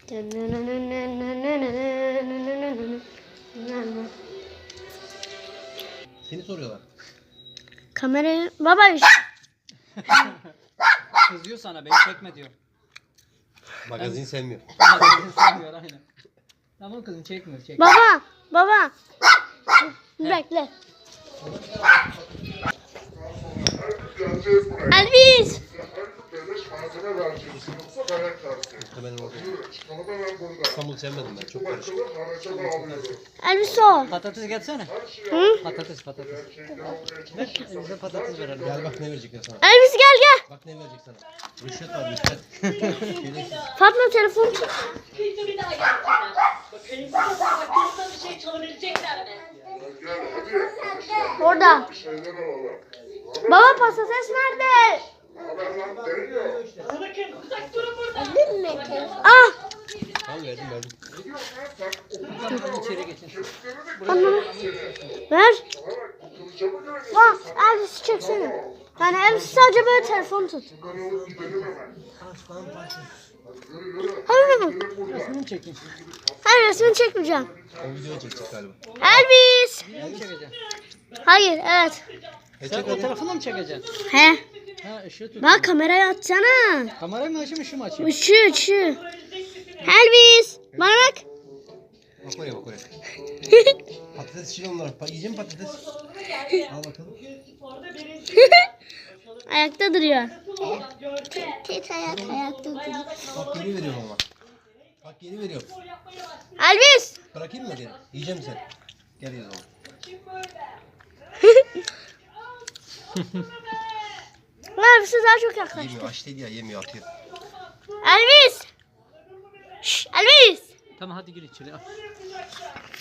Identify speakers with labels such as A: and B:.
A: Seni soruyorlar.
B: Kamerayı baba
C: Kızıyor sana, beni çekme diyor.
A: Magazin sevmiyor.
C: Sevmiyor aynen. Tamam kızım, çekmiyor.
B: baba. Bekle. Elvis.
A: İstanbul sevmedim ben. Çok karışık.
B: Elvis o.
C: Patates gelsene.
B: Hı?
C: Patates. Ver, bize patates verelim.
A: Gel bak ne verecekler sana.
B: Elvis gel.
A: Bak ne verecek sana. Rüşvet var rüşvet. Şerefsiz.
B: Fatma telefon.
D: Bir daha gelsinler. Bakayım baktığımda bir şey çalabilecekler mi?
B: Orada. Baba patates nerede?
D: Bakın uzak durun burada.
B: Ah.
A: Tamam verdim.
C: İçeri geçin.
B: Anne. Ver. Bak Elvis'i çeksene. Yani Elvis sadece böyle telefon tut. Hayır.
C: Resmini çekin.
B: Hayır resmini çekmeyeceğim.
A: O videoyu çekecek galiba.
B: Elvis.
C: Video mu çekeceksin?
B: Hayır evet.
C: Sen o tarafını mı çekeceksin?
B: He.
C: Ha, ışığı tut.
B: Bak kamerayı atsana.
C: Kamerayı mı açayım, ışığı mı açayım?
B: Işığı. Elvis. Bana bak.
A: Bak oraya. Patates için onlar. Yiyeceğim patates. Al bakalım.
B: Ayakta duruyor. Tek ayakta duruyor.
A: Bak geri veriyorum ama. Bak geri veriyorum.
B: Elvis.
A: Bırakayım mı geri? Yiyeceğim sen. Gel ya zaman.
B: Elvis'e daha çok yaklaştı.
A: Yemiyor. Aç değil ya yemiyor atıyor.
B: Elvis. Şşş, Elvis.
C: Tamam hadi gir içeri. Al.